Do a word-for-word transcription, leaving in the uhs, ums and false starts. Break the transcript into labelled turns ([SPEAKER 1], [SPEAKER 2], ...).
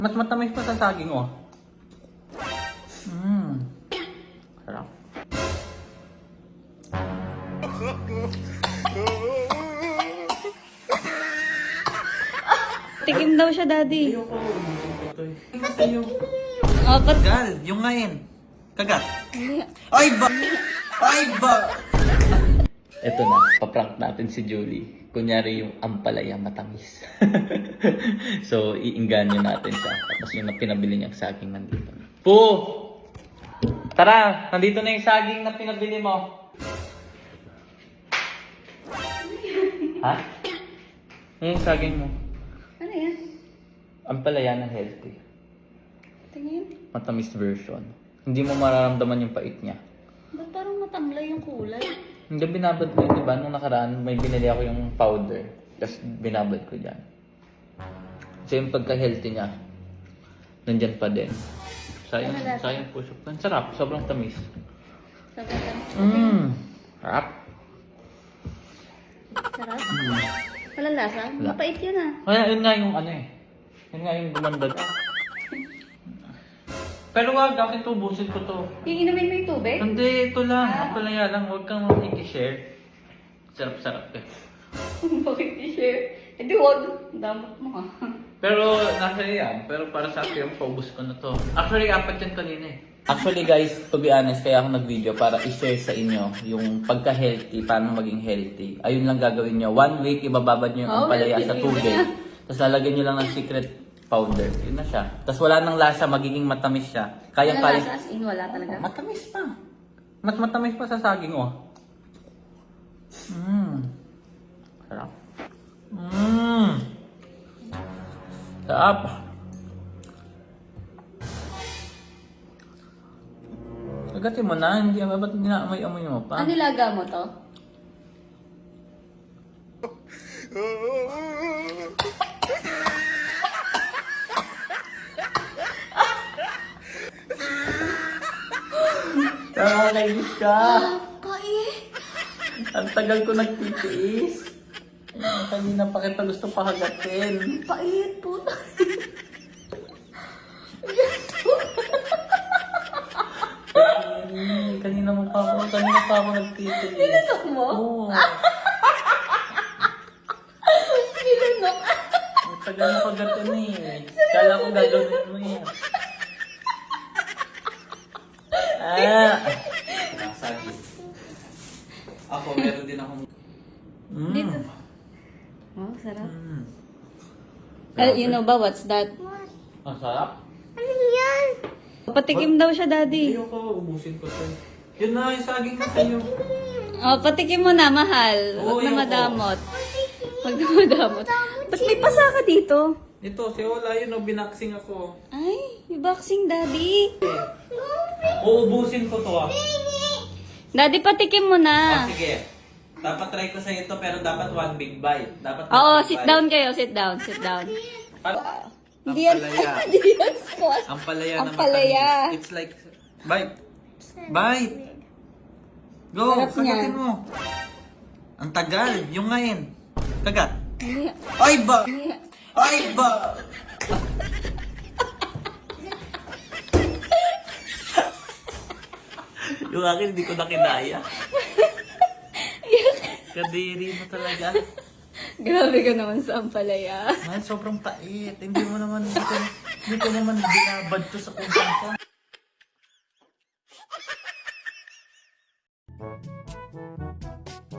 [SPEAKER 1] Mas matamis pa sa saging, oh. Mmm. Sarap.
[SPEAKER 2] Tikim daw siya, Daddy.
[SPEAKER 1] Ayoko. Ito eh. Sa'yo.
[SPEAKER 2] Apat.
[SPEAKER 1] Gal, yung ngayon. Kagat. Ay ba? Ay ba? Ito na, paprank natin si Julie. Kunyari yung ampalaya matamis. So, iinganyo natin siya. Tapos yung na pinabili niyang saging nandito. Po! Tara! Nandito na yung saging na pinabili mo. Ha? Yung saging mo.
[SPEAKER 2] Ano yan?
[SPEAKER 1] Ampalaya na healthy.
[SPEAKER 2] Tingin.
[SPEAKER 1] Matamis version. Hindi mo mararamdaman yung pait niya.
[SPEAKER 2] Ba't parang matamlay yung kulay?
[SPEAKER 1] Hindi, binabad ko yun, diba? Nung nakaraan, may binili ako yung powder. Tapos binabad ko dyan. So yung pagka-healthy niya, nandyan pa din. Sayang,
[SPEAKER 2] Ano lasa?
[SPEAKER 1] sayang push up. Ang sarap, sobrang tamis.
[SPEAKER 2] Sobrang tamis.
[SPEAKER 1] Mmm. Sarap.
[SPEAKER 2] Sarap. Walang lasa?
[SPEAKER 1] Wala.
[SPEAKER 2] Mapait yun ah.
[SPEAKER 1] Kaya yun nga yung ano eh. Yun nga yung gumanda. Pero wag, bakit tubusin ko to?
[SPEAKER 2] Iinumin mo yung tubig?
[SPEAKER 1] Hindi, ito lang.
[SPEAKER 2] Ah.
[SPEAKER 1] Ang palaya lang. Huwag kang i-share. Sarap-sarap eh.
[SPEAKER 2] Bakit i-share? Eh di wag. Damot mo ah.
[SPEAKER 1] Pero nasa yan. Pero para sa akin, paubos ko na to. Actually, apat yan kanina eh. Actually guys, to be honest, kaya ako nag-video para i-share sa inyo yung pagka-healthy, paano maging healthy. Ayun lang gagawin nyo. One week, ibababad nyo yung
[SPEAKER 2] Oh,
[SPEAKER 1] ampalaya
[SPEAKER 2] healthy
[SPEAKER 1] sa
[SPEAKER 2] na
[SPEAKER 1] tubig.
[SPEAKER 2] yun.
[SPEAKER 1] Tapos lalagyan nyo lang ng secret powder. Yun na siya. Tapos wala nang lasa, magiging matamis siya. Kaya
[SPEAKER 2] Walang
[SPEAKER 1] kaya.
[SPEAKER 2] lasa? As in, wala talaga?
[SPEAKER 1] Matamis pa. Mas matamis pa sa saging, oh. Mmm. Sarap. Mmm. Sarap. Agatin mo na, hindi ba ba't dinaamoy-amoy mo pa?
[SPEAKER 2] Ano nilaga mo to?
[SPEAKER 1] Nakakainis ka.
[SPEAKER 2] Pait!
[SPEAKER 1] Ang tagal ko nagtitiis. Ah, kanina pa kita gusto pakagatin.
[SPEAKER 2] Pait, puta.
[SPEAKER 1] Hmm, kanina mo pa ako, kanina pa ako nagtitiis.
[SPEAKER 2] Nilunok mo?
[SPEAKER 1] Oo.
[SPEAKER 2] Nilunok?
[SPEAKER 1] Ang tagal na kagatin eh. Kala ko gagawin mo yan. Ah! Nasagi. Ako, meron din akong...
[SPEAKER 2] Dito.
[SPEAKER 1] Mmm.
[SPEAKER 2] Oh, sarap.
[SPEAKER 1] Mm.
[SPEAKER 2] Uh, you know ba what's that?
[SPEAKER 1] Ang sarap.
[SPEAKER 2] Patikim daw siya, Daddy.
[SPEAKER 1] Ayoko, ubusin ko to. Yun na, yung saging na sa'yo.
[SPEAKER 2] Oh, patikim mo na, mahal.
[SPEAKER 1] Oo,
[SPEAKER 2] Huwag na
[SPEAKER 1] ayoko.
[SPEAKER 2] madamot. Huwag na madamot. Ba't may pasa ka dito?
[SPEAKER 1] Ito, si Ola, yun o, binaksing ako.
[SPEAKER 2] Ay, may boxing, Daddy.
[SPEAKER 1] Uubusin ko to ah.
[SPEAKER 2] Daddy, patikim mo
[SPEAKER 1] Ah,
[SPEAKER 2] na.
[SPEAKER 1] sige. Dapat try ko sa ito, pero dapat one big bite. Dapat one
[SPEAKER 2] Oo,
[SPEAKER 1] big
[SPEAKER 2] sit
[SPEAKER 1] bite.
[SPEAKER 2] down kayo. Sit down, sit down.
[SPEAKER 1] Para-
[SPEAKER 2] Hindi yan,
[SPEAKER 1] Ampalaya.
[SPEAKER 2] hindi yan squash.
[SPEAKER 1] Ang palaya na
[SPEAKER 2] Ampalaya.
[SPEAKER 1] matamis. It's like, bite. Bite. Go,
[SPEAKER 2] Sarap niya.
[SPEAKER 1] kagatin mo. Ang tagal. Yung ngayon. Kagat.
[SPEAKER 2] Hindi.
[SPEAKER 1] Ay ba?
[SPEAKER 2] Hindi.
[SPEAKER 1] Ay ba? Yung akin, hindi ko na kinaya. Kadiri mo talaga.
[SPEAKER 2] Grabe ka naman sa ampalaya.
[SPEAKER 1] Ay, sobrang pait. Hindi mo naman, hindi ko, hindi ko naman binabad to sa kung